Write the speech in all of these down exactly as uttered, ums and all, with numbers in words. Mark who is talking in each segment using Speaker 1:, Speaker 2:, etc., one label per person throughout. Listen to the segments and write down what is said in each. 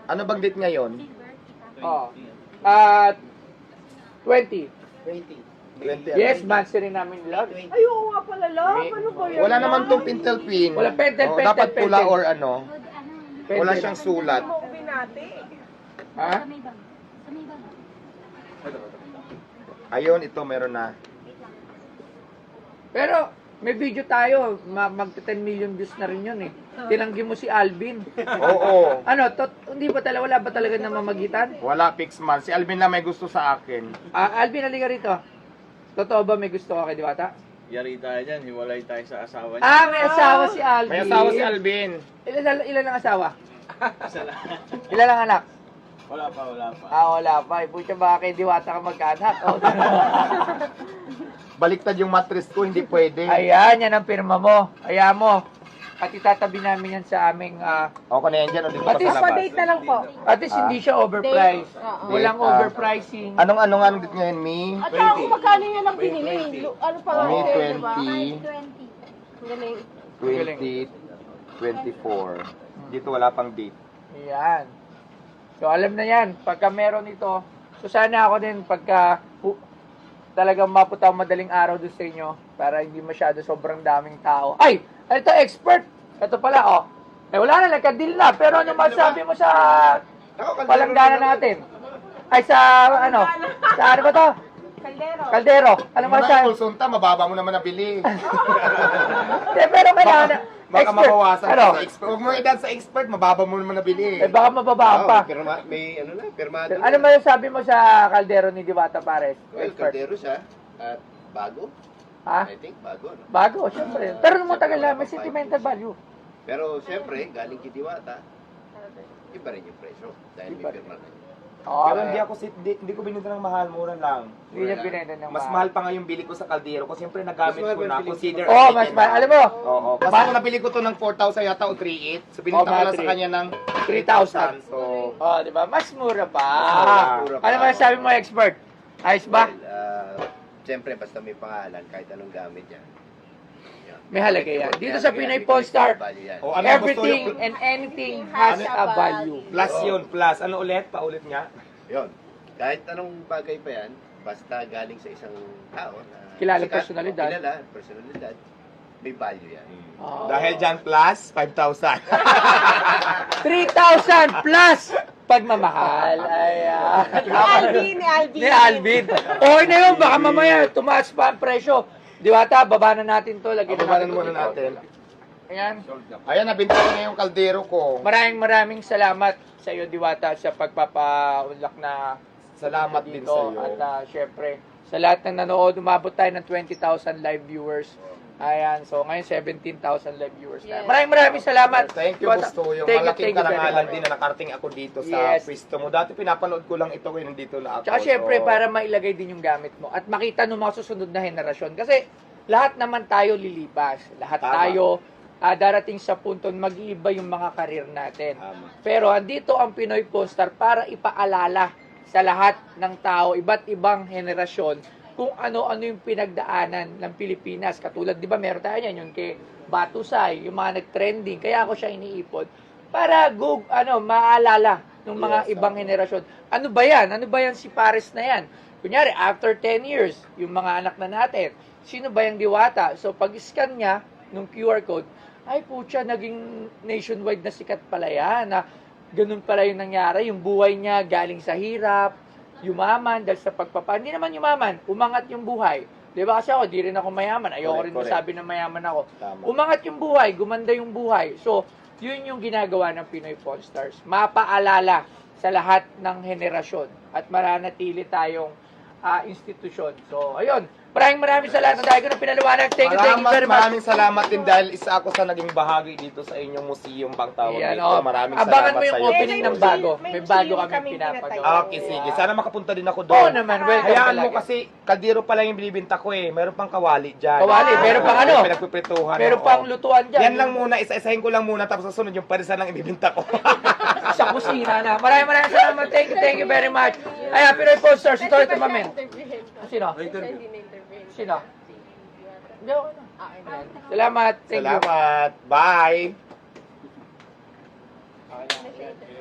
Speaker 1: Ano bang date ngayon?
Speaker 2: Oh. At twenty.
Speaker 3: twenty.
Speaker 1: twenty.
Speaker 2: Yes, monthsary namin love.
Speaker 4: Ay, oo nga pala, love. Ano ba yan?
Speaker 1: Wala naman tong pintel pin.
Speaker 2: Wala pentel,
Speaker 1: Oh,
Speaker 2: pentel,
Speaker 1: dapat pula
Speaker 2: pentel.
Speaker 1: or ano. Wala siyang sulat.
Speaker 4: Mo binati.
Speaker 2: Ha?
Speaker 1: Ayun, ito meron na.
Speaker 2: Pero, may video tayo. Ma mag ten million views na rin yun eh. Tinanggi mo si Alvin.
Speaker 1: Oo.
Speaker 2: Ano, tot, hindi ba talaga, wala ba talaga namamagitan?
Speaker 1: Wala fix man. Si Alvin na may gusto sa akin.
Speaker 2: Ah, Alvin, halika rito. Totoo ba may gusto ka kay Diwata?
Speaker 3: Yari tayo dyan, hiwalay tayo sa asawa niya.
Speaker 2: Ah, may asawa si Alvin.
Speaker 1: May asawa si Alvin.
Speaker 2: Ilan, ilan ang asawa?
Speaker 3: Isa lang.
Speaker 2: Ilan ang anak?
Speaker 3: Wala pa, wala pa.
Speaker 2: Ah, wala pa. Pucha ba kay Diwata ka magkaanak? Oh.
Speaker 1: Baliktad yung mattress ko, hindi pwede.
Speaker 2: Ayan, yan ang pirma mo. Ayan mo. At itatabi namin yan sa aming... ah,
Speaker 1: Okay na yan dyan, o dito
Speaker 2: At
Speaker 1: pa
Speaker 2: least
Speaker 1: sa labas.
Speaker 4: Pa-date na lang po.
Speaker 2: at least hindi siya overpriced.
Speaker 4: Date. Oo.
Speaker 2: Walang
Speaker 1: Date, ah.
Speaker 2: overpricing.
Speaker 1: Anong ano nga ang date ngayon, Mi?
Speaker 4: At saka kung magkano yan ang binili. Lu- Ano pa lang
Speaker 1: May
Speaker 4: sale, diba?
Speaker 1: twenty,
Speaker 4: Ang galing.
Speaker 1: twenty, twenty-four. Dito wala pang date.
Speaker 2: Ayan. So, alam na yan. Pagka meron ito, so sana ako din pagka hu- talagang mapunta ang madaling araw doon sa inyo para hindi masyado sobrang daming tao. Ay! Ito, expert! Ito pala, oh. Eh, wala na, nagka-deal na. Pero ano masabi mo sa palanggana natin? Ay, sa ano? Sa ano ba to?
Speaker 4: Kaldero.
Speaker 2: Kaldero. Ano
Speaker 1: Ano
Speaker 2: masabi?
Speaker 1: na Sulsunta, mababa mo naman nabili.
Speaker 2: Eh, pero kailangan na.
Speaker 1: Baka
Speaker 2: Expert.
Speaker 1: mabawasan
Speaker 2: Ano?
Speaker 1: ka sa expert. Huwag mo idan sa expert, mababa mo naman nabili.
Speaker 2: Eh, baka mababa pa.
Speaker 5: Pirma, may ano na, pirmado.
Speaker 2: Ano
Speaker 5: na.
Speaker 2: masasabi mo sa kaldero ni Diwata Pares?
Speaker 5: Well,
Speaker 2: Expert.
Speaker 5: kaldero siya. At bago.
Speaker 2: Ha?
Speaker 5: I think bago. No?
Speaker 2: Bago, syempre. Pero nung matagal na, may sentimental value.
Speaker 5: Pero siyempre, galing kay Diwata, iba rin yung presyo. Dahil
Speaker 2: Iba
Speaker 5: may
Speaker 2: rin.
Speaker 5: pirma na yun.
Speaker 2: Oo,
Speaker 1: Pero hindi ako si, hindi, hindi ko binenta ng mahal, mura lang.
Speaker 2: Hindi niya binenta ng
Speaker 1: Mas mahal pa nga yung bili ko sa kaldero ko. Siyempre nagamit
Speaker 5: Mas mahal
Speaker 1: ko
Speaker 5: ba
Speaker 1: na.
Speaker 5: yung bili ko?
Speaker 1: Consider
Speaker 2: Oo, oh, mas mahal. Alam mo,
Speaker 1: Oo. Kasi
Speaker 2: Mahal.
Speaker 1: kung nabili ko to ng four thousand yata o three eight. So
Speaker 2: Oo,
Speaker 1: binenta ko
Speaker 2: mga
Speaker 1: lang sa
Speaker 2: three.
Speaker 1: kanya ng
Speaker 2: three thousand.
Speaker 1: So,
Speaker 2: Oh, di ba? Mas mura pa.
Speaker 5: Mas mura pa.
Speaker 2: Ano masasabi mo, expert? Ayos ba?
Speaker 5: Well, uh, siyempre, basta may pangalan, kahit anong gamit yan. Yan.
Speaker 2: May halaga yan. Dito sa
Speaker 5: Kaya-
Speaker 2: Pinoy
Speaker 5: kaya-
Speaker 2: Polestar,
Speaker 5: value yan.
Speaker 1: o ano
Speaker 2: everything
Speaker 1: gusto yung
Speaker 2: and anything has a value.
Speaker 1: plus yun, plus. Ano ulit? Paulit nga.
Speaker 5: Yun. Kahit anong bagay pa yan, basta galing sa isang tao na
Speaker 2: Kilala
Speaker 5: sikat,
Speaker 2: personalidad.
Speaker 5: o Kilala, personalidad. May value yan.
Speaker 2: Oh.
Speaker 1: Dahil dyan plus, five thousand.
Speaker 2: three thousand plus pagmamahal. Ayan.
Speaker 4: Ni Alvin, ni Alvin.
Speaker 2: Ni Alvin. Okay na yun, baka mamaya tumaas pa ang presyo. Diwata, baba na natin to. Lagyan na
Speaker 1: Babanan
Speaker 2: natin
Speaker 1: muna
Speaker 2: to.
Speaker 1: natin.
Speaker 2: Ayan.
Speaker 1: Ayan, nabinta ko na yung kaldero ko.
Speaker 2: Maraming maraming salamat sa iyo, Diwata, sa pagpapaunlak na
Speaker 1: Salamat din
Speaker 2: dito.
Speaker 1: sa iyo.
Speaker 2: At uh, syempre, sa lahat ng nanood, umabot tayo ng twenty thousand live viewers. Ayan, so ngayon seventeen thousand live viewers na.
Speaker 4: Yes.
Speaker 2: Maraming maraming salamat.
Speaker 1: Thank you,
Speaker 2: Diwata.
Speaker 1: gusto yung
Speaker 2: Thank you,
Speaker 1: malaking
Speaker 2: thank you very
Speaker 1: karangalan
Speaker 2: much.
Speaker 1: din na nakarating ako dito sa
Speaker 2: Yes.
Speaker 1: pwesto mo. Dati pinapanood ko lang ito ngayon nandito na ako.
Speaker 2: Tsaka syempre,
Speaker 1: So,
Speaker 2: para mailagay din yung gamit mo at makita ng mga susunod na henerasyon. Kasi lahat naman tayo lilipas. Lahat
Speaker 1: Tama.
Speaker 2: tayo ah, darating sa punto na mag-iiba yung mga karir natin.
Speaker 1: Tama.
Speaker 2: Pero andito ang Pinoy Polestar para ipaalala sa lahat ng tao, iba't ibang henerasyon, kung ano-ano yung pinagdaanan ng Pilipinas. Katulad, di ba, meron tayo yan, yung kay Batusay, yung mga nag-trending. Kaya ako siya iniipon. Para, go, ano, maalala ng mga
Speaker 1: Yes,
Speaker 2: ibang
Speaker 1: tama.
Speaker 2: henerasyon. Ano ba yan? Ano ba yan si Pares na yan? Kunyari, after ten years, yung mga anak na natin, sino ba yung Diwata? So, pag-scan niya, nung Q R code, ay putya, naging nationwide na sikat pala yan. Na ganun pala yung nangyari. Yung buhay niya galing sa hirap, yumaman dahil sa pagpapa. Hindi naman yumaman, umangat yung buhay. Di ba kasi ako, di rin ako mayaman. Ayoko
Speaker 1: Correct,
Speaker 2: rin
Speaker 1: correct.
Speaker 2: masabi na mayaman ako.
Speaker 1: Tama.
Speaker 2: Umangat yung buhay, gumanda yung buhay. So, yun yung ginagawa ng Pinoy Polestars. Mapaalala sa lahat ng henerasyon at maranatili tayong ah, institusyon. So, ayun. Maraming maraming salamat dahil ko na pinaliwanag. Thank you, thank you
Speaker 1: Maraming,
Speaker 2: very much.
Speaker 1: maraming salamat din dahil isa ako sa naging bahagi dito sa inyong museum bang tawag
Speaker 2: Ayan,
Speaker 1: dito.
Speaker 2: oh.
Speaker 1: Maraming
Speaker 2: Abangan
Speaker 1: salamat
Speaker 2: mo yung
Speaker 1: sa iyo.
Speaker 2: opening ng
Speaker 4: May
Speaker 2: bago.
Speaker 4: museum-
Speaker 2: May
Speaker 4: may
Speaker 2: bago
Speaker 4: museum
Speaker 2: kami
Speaker 4: kaming
Speaker 2: pinapagawa.
Speaker 4: pinatayo.
Speaker 1: Okay, sige. Sana makapunta din ako
Speaker 2: Oo
Speaker 1: doon.
Speaker 2: naman, welcome
Speaker 1: Hayaan mo
Speaker 2: palagi.
Speaker 1: kasi kaldero pa lang yung binibinta ko eh. Meron pang kawali dyan.
Speaker 2: Kawali, meron pang ano?
Speaker 1: Pinagpiprituhan.
Speaker 2: Meron
Speaker 1: oo.
Speaker 2: pang lutuan dyan.
Speaker 1: Yan lang muna, isa-isahin ko lang muna tapos sa sunod yung parisan lang ibibinta ko.
Speaker 2: Sa kusina na. Maraming maraming salamat. Thank you, thank you very much. Ay, Pinoy Posters. Ito, ito, mamen. Sino? Sino? Hindi, okay na. Ayan. Salamat. Thank you.
Speaker 1: Salamat. Bye.
Speaker 2: Okay na.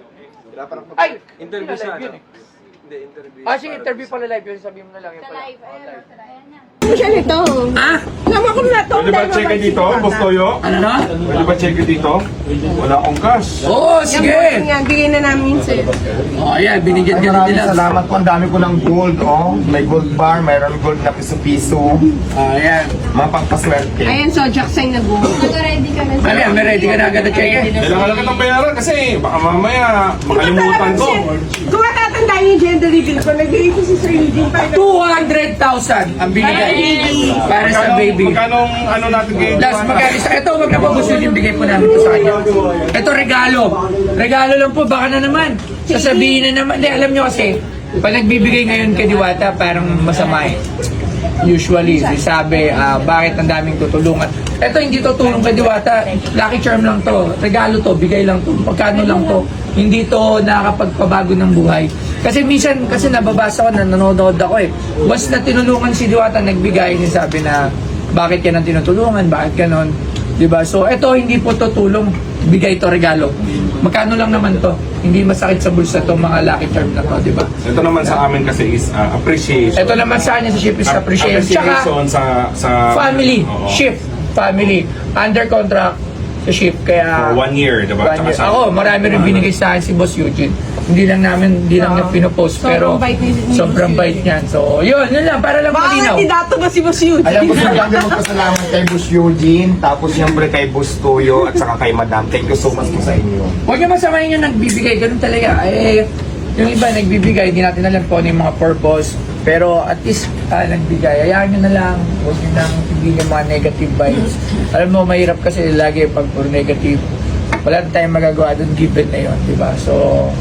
Speaker 5: Wala pa rin
Speaker 2: Ay!
Speaker 6: Interview
Speaker 2: Live
Speaker 6: siya,
Speaker 2: yun
Speaker 6: no?
Speaker 2: eh.
Speaker 6: Hindi, interview.
Speaker 2: Ah, sige, interview pala live yun. Sabihin mo na lang yun
Speaker 4: Sa
Speaker 2: pala.
Speaker 4: live.
Speaker 2: Oh, live.
Speaker 4: Ano siya nito?
Speaker 2: Ah?
Speaker 4: Alam mo kung na to.
Speaker 7: Pwede ba check dito, Boss Toyo?
Speaker 2: Ano na?
Speaker 7: Pwede ba check dito? Wala akong cash.
Speaker 2: Oo, sige!
Speaker 4: Yan, bigay na namin sa'yo.
Speaker 2: Oh, ayan, binigyan ka
Speaker 1: Maraming
Speaker 2: nila.
Speaker 1: salamat po. Ang dami ko ng gold, oh. May gold bar, mayroon gold na piso-piso.
Speaker 2: Ah, ayan.
Speaker 1: Mga pangpaswerte.
Speaker 4: Ayan, so Jackson nag-go. Nag-ready ka na.
Speaker 2: Ano yan, may ready ka na agad na check eh.
Speaker 7: Kailangan lang kitang bayaran kasi baka mamaya makalimutan ko.
Speaker 4: Kung matatandaan yung gender reveal ko, nagbigay ko si Sir Eugene pa.
Speaker 2: two hundred thousand ang binigay para sa baby.
Speaker 7: Magkano ano natin kay
Speaker 2: Last magkano sa ito, wag na po gusto yung bigay po namin ito sa kanya. Ito regalo. Regalo lang po, baka na naman. Sasabihin na naman. Hindi, alam nyo kasi, pag nagbibigay ngayon kay Diwata, parang masama eh. Usually, sabi, ah, bakit ang daming tutulungan. Ito hindi to tulong kay Diwata. Lucky charm lang to. Regalo to, bigay lang to. Pagkano lang to. Hindi to nakakapagpabago ng buhay. Kasi minsan, kasi nababasa ko na nanonood ako eh. Once na tinulungan si Diwata, nagbigay, sabi na, bakit ka nang tinutulungan, bakit ganon. Diba? So, ito hindi po to tulong, bigay to regalo. Magkano lang naman to? Hindi masakit sa bulsa to mga lucky charm na to, diba?
Speaker 7: Ito naman sa amin kasi is uh, appreciation.
Speaker 2: Ito naman sa kanya sa ship is appreciation. Tsaka,
Speaker 7: Appreciation sa sa
Speaker 2: family,
Speaker 7: Oo.
Speaker 2: shift, family, under contract sa ship. Kaya,
Speaker 7: For one year, diba?
Speaker 2: one
Speaker 7: Tsaka
Speaker 2: year.
Speaker 7: sa-
Speaker 2: Ako, marami rin binigay sa akin si Boss Eugene. Hindi lang namin, hindi lang niya pinopost, pero
Speaker 4: Sobrang bait ni- ni
Speaker 2: sobrang
Speaker 4: Boss
Speaker 2: bait niyan. So, yun, yun lang, para lang
Speaker 4: Baka
Speaker 2: malinaw.
Speaker 4: kandidato ba si Boss Eugene?
Speaker 1: Alam ko sa dami magpasalamat kay Boss Eugene, tapos siyempre kay Boss Toyo, at saka kay Madam. Thank you so much po sa inyo.
Speaker 2: Huwag niyo masamahin yung nagbibigay, ganun talaga. Eh, yung iba nagbibigay, hindi natin alam kung ano yung mga purpose. Pero at least ah, nagbigay. Hayaan nyo na lang. Huwag nyo nang tigil yung mga negative vibes. Alam mo, mahirap kasi lagi pag puro negative. Wala na tayong magagawa doon, given na yun, di ba? So,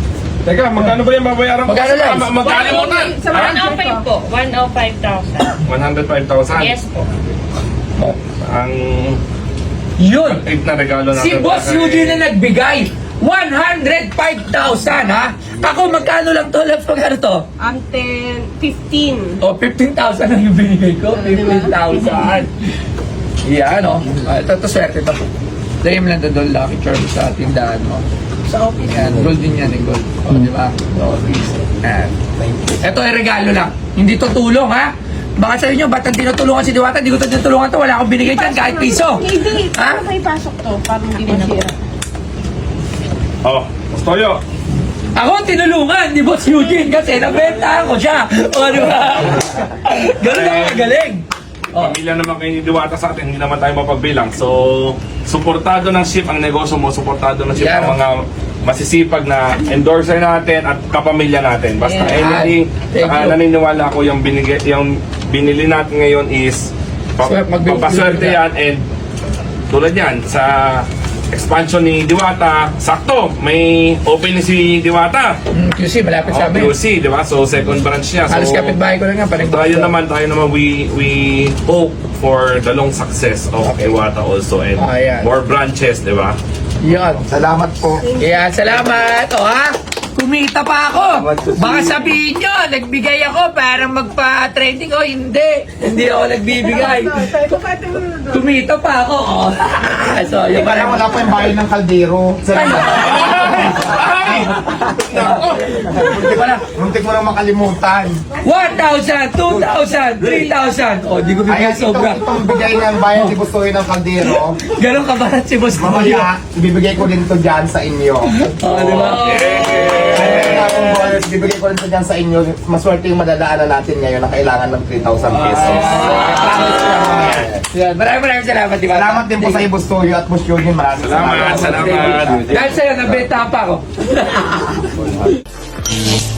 Speaker 7: Teka, magkano ba yung babayaran ko?
Speaker 2: Magkano lang?
Speaker 7: Ma- Magkalimutan!
Speaker 4: Sa
Speaker 7: Ha?
Speaker 4: mga
Speaker 8: one oh five po. one oh five thousand.
Speaker 7: one hundred five thousand?
Speaker 8: Yes po.
Speaker 2: oh,
Speaker 7: Ang
Speaker 2: yun!
Speaker 7: eight na regalo natin.
Speaker 2: Si Boss Eugene na nagbigay. one hundred five thousand, ha? Ako, magkano lang to? Left, magkano to?
Speaker 4: Ang ten, fifteen.
Speaker 2: O, fifteen thousand ang ibinigay ko. fifteen thousand. Yan, o. Uh, ito, ito, swerte ito. Dahil mo lang ito doon, lucky charm sa tindahan mo. Sa office. Yan, gold din yan, eh, gold. O, di ba? Sa office. Yan. Ito ay regalo lang. Hindi to tulong, ha? Baka sa inyo, ba't ang tinutulungan si Diwata? Hindi ko ito tinutulungan to. Wala akong binigay dyan, kahit piso.
Speaker 4: Hindi,
Speaker 2: Ha?
Speaker 4: paano kayo pasok to? Para hindi masira.
Speaker 7: Oh, Boss Toyo.
Speaker 2: Ako ang tinulungan ni Boss Eugene kasi nabenta ko siya. O, di ba? Ganun ako magaling. Oh.
Speaker 7: Pamilya naman kayo ni Diwata sa atin, hindi naman tayo mapagbilang. So, suportado ng ship ang negosyo mo, suportado ng ship
Speaker 2: Yeah.
Speaker 7: ang mga masisipag na endorser natin at kapamilya natin. Basta
Speaker 2: Yeah.
Speaker 7: anything,
Speaker 2: Thank
Speaker 7: saka
Speaker 2: you.
Speaker 7: naniniwala ako yung, binigay, yung binili natin ngayon is pa,
Speaker 2: Swer- magbibigay
Speaker 7: papaswerte
Speaker 2: ka.
Speaker 7: yan and tulad yan sa expansion ni Diwata, sakto, may opening si Diwata.
Speaker 2: Mm, Q C, malapit
Speaker 7: Oh,
Speaker 2: sa amin.
Speaker 7: Q C, di ba? So, second branch niya. So,
Speaker 2: Halos kapitbahay ko lang nga. Parang
Speaker 7: tayo naman, tayo naman, we we hope for the long success of Iwata also and
Speaker 2: Ah, yan.
Speaker 7: more branches, di ba?
Speaker 2: Yun.
Speaker 1: Salamat po.
Speaker 2: Kaya salamat. O ha? Kumita pa ako. Baka sabihin nyo, nagbigay ako para magpa-trending. O hindi. Hindi ako nagbibigay. Kumita pa ako. O. So, yung
Speaker 1: Parang wala pa yung bahay ng kaldero.
Speaker 2: Wala.
Speaker 1: Muntik mo nang makalimutan.
Speaker 2: one thousand, two thousand, three thousand. O, di ko
Speaker 1: Kaya
Speaker 2: bigay sobra.
Speaker 1: itong, itong bigay ng bayan ni Bustoy ng kaldero,
Speaker 2: Ganon kabarat si Boss Mario.
Speaker 1: mamaya, ibibigay ko din to dyan sa inyo.
Speaker 2: O, di ba?
Speaker 1: Kaya akong bonus, ibibigay ko rin to dyan sa inyo. Maswerte yung madadaanan natin ngayon na kailangan ng three thousand pesos. Promise ko lang mamaya.
Speaker 2: Yan. Maraming maraming salamat, di ba?
Speaker 1: Salamat din po sa iyo, Bustoy at Boss Eugene. Maraming
Speaker 7: Salamat, salamat.
Speaker 2: Dahil sa'yo, nabenta pa ako.